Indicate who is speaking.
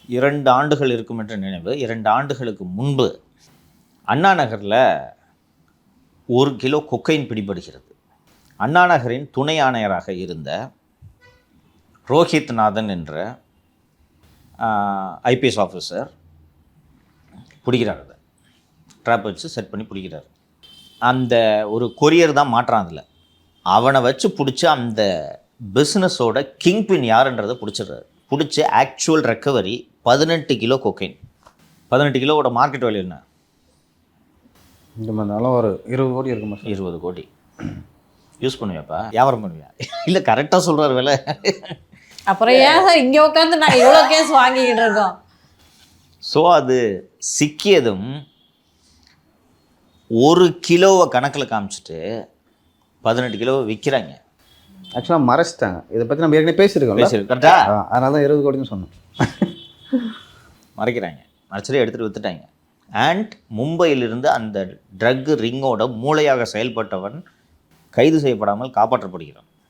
Speaker 1: 2 ஆண்டுகள் இருக்கும் என்ற நினைவு. 2 ஆண்டுகளுக்கு முன்பு அண்ணா நகரில் 1 கிலோ கொக்கைன் பிடிபடுகிறது. அண்ணா நகரின் துணை ஆணையராக இருந்த ரோஹித்நாதன் என்ற ஐபிஎஸ் ஆஃபீஸர் பிடிக்கிறார். அதை ட்ராப் வச்சு செட் பண்ணி பிடிக்கிறார். அந்த ஒரு கொரியர் தான் மாற்றான். அதில் அவனை வச்சு பிடிச்சி அந்த பிஸ்னஸோட கிங்பின் யாருன்றதை பிடிச்சிடுறாரு. பிடிச்சி ஆக்சுவல் ரெக்கவரி 18 கிலோ கொக்கைன். 18 கிலோவோட மார்க்கெட் வேல்யூ என்ன?
Speaker 2: இந்த மாதிரினாலும் ஒரு 20 கோடி இருக்குமா?
Speaker 1: 20 கோடி. யூஸ் பண்ணுவியாப்பா? வியாபாரம் பண்ணுவியா? இல்லை கரெக்டாக சொல்கிறார் விலை.
Speaker 3: அப்புறம் ஏன் சார் இங்கே உட்காந்து நாங்கள் இவ்வளோ கேஸ் வாங்கிக்கிட்டு இருக்கோம்?
Speaker 1: ஸோ அது சிக்கியதும் 1 கிலோவை கணக்கில் காமிச்சிட்டு 18 கிலோவை விற்கிறாங்க.
Speaker 2: ஆக்சுவலாக மறைச்சிட்டாங்க. இதை பற்றி நம்ம ஏற்கனவே பேசியிருக்கோம்.
Speaker 1: கரெக்டா?
Speaker 2: அதனால தான் 20 கோடின்னு சொன்னோம்.
Speaker 1: மறைக்கிறாங்க. மறைச்சிட்டு எடுத்துகிட்டு விற்றுட்டாங்க. அண்ட் மும்பையிலிருந்து அந்த ட்ரக் ரிங்கோட மூளையாக செயல்பட்டவன் கைது செய்யப்படாமல் காப்பாற்றப்படுகிறான்.